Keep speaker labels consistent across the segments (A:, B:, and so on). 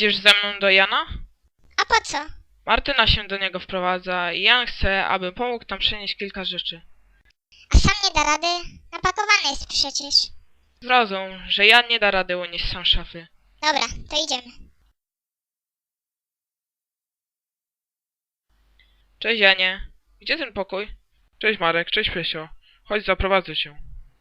A: Idziesz ze mną do Jana?
B: A po co?
A: Martyna się do niego wprowadza i Jan chce, aby pomógł tam przenieść kilka rzeczy.
B: A sam nie da rady? Napakowany jest przecież.
A: Zrozum, że Jan nie da rady unieść sam szafy.
B: Dobra, to idziemy.
A: Cześć Janie. Gdzie ten pokój? Cześć Marek, cześć Pesio. Chodź, zaprowadzę cię.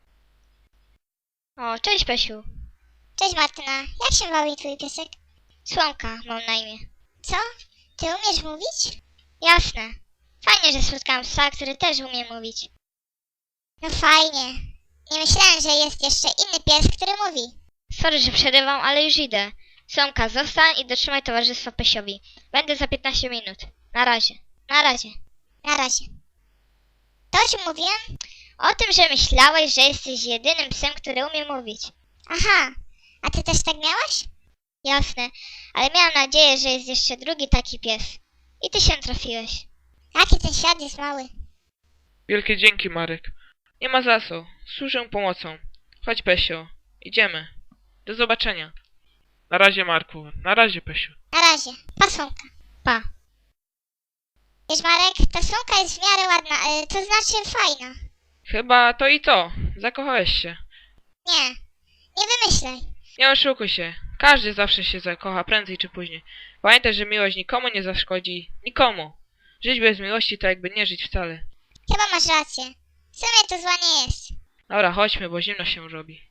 C: O, cześć Pesiu.
B: Cześć Martyna, jak się bawi twój piesek?
C: Słomka mam na imię.
B: Co? Ty umiesz mówić?
C: Jasne. Fajnie, że spotkałam psa, który też umie mówić.
B: No fajnie. Nie myślałem, że jest jeszcze inny pies, który mówi.
C: Sorry, że przerywam, ale już idę. Słomka, zostań i dotrzymaj towarzystwa Pesiowi. Będę za 15 minut. Na razie. Na razie.
B: Na razie. To o czym mówiłem?
C: O tym, że myślałeś, że jesteś jedynym psem, który umie mówić.
B: Aha, a ty też tak miałaś?
C: Jasne, ale miałam nadzieję, że jest jeszcze drugi taki pies. I ty się trafiłeś.
B: Jaki ten świat jest mały.
A: Wielkie dzięki Marek. Nie ma za co. Służę pomocą. Chodź Pesio. Idziemy. Do zobaczenia. Na razie Marku. Na razie Pesiu.
B: Na razie. Pa słonka.
C: Pa.
B: Wiesz Marek, ta słonka jest w miarę ładna, to znaczy fajna.
A: Chyba to i to. Zakochałeś się.
B: Nie, nie wymyślaj.
A: Nie oszukuj się. Każdy zawsze się zakocha, prędzej czy później. Pamiętaj, że miłość nikomu nie zaszkodzi. Nikomu. Żyć bez miłości to jakby nie żyć wcale.
B: Chyba masz rację. W sumie to zła nie jest.
A: Dobra, chodźmy, bo zimno się robi.